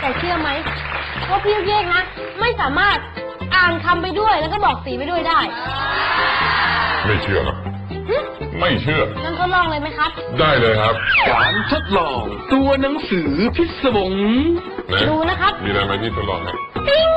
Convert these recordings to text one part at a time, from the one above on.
แต่เชื่อไหมว่าพี่เยกนะไม่สามารถอ่านคำไปด้วยแล้วก็บอกสีไปด้วยได้ไม่เชื่อหรอไม่เชื่องั้นทดลองเลยไหมครับได้เลยครับการทดลองตัวหนังสือพิศวงดูนะครับมีอะไรไหมที่ทดลองครับ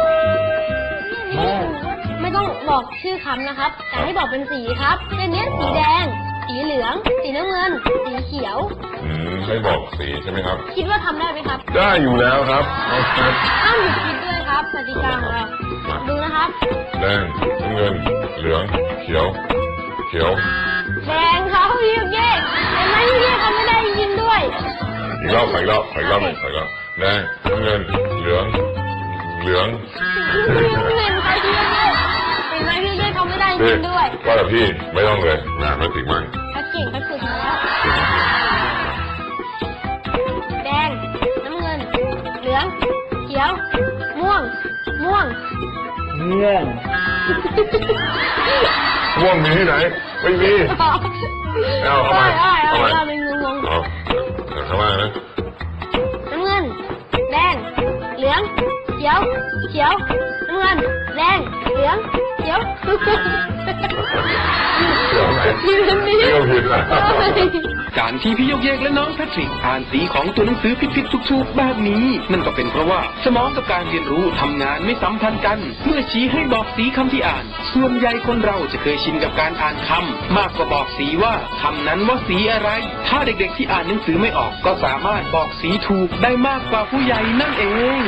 ไม่ต้องบอกชื่อคำนะครับแต่ให้บอกเป็นสีครับเช่นนี้สีแดงสีเหลืองสีน้ำเงินสีเขียวให้บอกสีใช่ไหมครับคิดว่าทำได้ไหมครับได้อยู่แล้วครับห้ามหยุดคิดด้วยครับกติกาของเราดูนะครับแดงน้ำเงินเหลืองเขียวแดงครับพี่เยกเห็นไหมพี่เยกเขาไม่ได้ยินด้วยอีกรอบแดงน้ำเงินเหลืองพี่เยกเห็นไหมพี่เยกเขาไม่ได้ยินด้วยว่าแต่พี่ไม่ต้องเลยนะไม่ติดมั่งถ้าเก่งก็ฝึกมาแล้วแดงน้ำเงินเหลืองเขียวม่วงม่วงมีที่ไหนไม่มีเอาเข้ามาเข้ามาเข้ามานะน้ำเงินแดงเหลืองเขียวน้ำเงินแดงเหลืองเขียวการที่พี่เยกและน้องแพทริกอ่านสีของตัวหนังสือผิดๆถูกๆแบบนี้นั่นก็เป็นเพราะว่าสมองกับการเรียนรู้ทำงานไม่สัมพันธ์กันเมื่อชี้ให้บอกสีคำที่อ่านส่วนใหญ่คนเราจะเคยชินกับการอ่านคำมากกว่าบอกสีว่าคำนั้นว่าสีอะไรถ้าเด็กๆที่อ่านหนังสือไม่ออกก็สามารถบอกสีถูกได้มากกว่าผู้ใหญ่นั่นเอง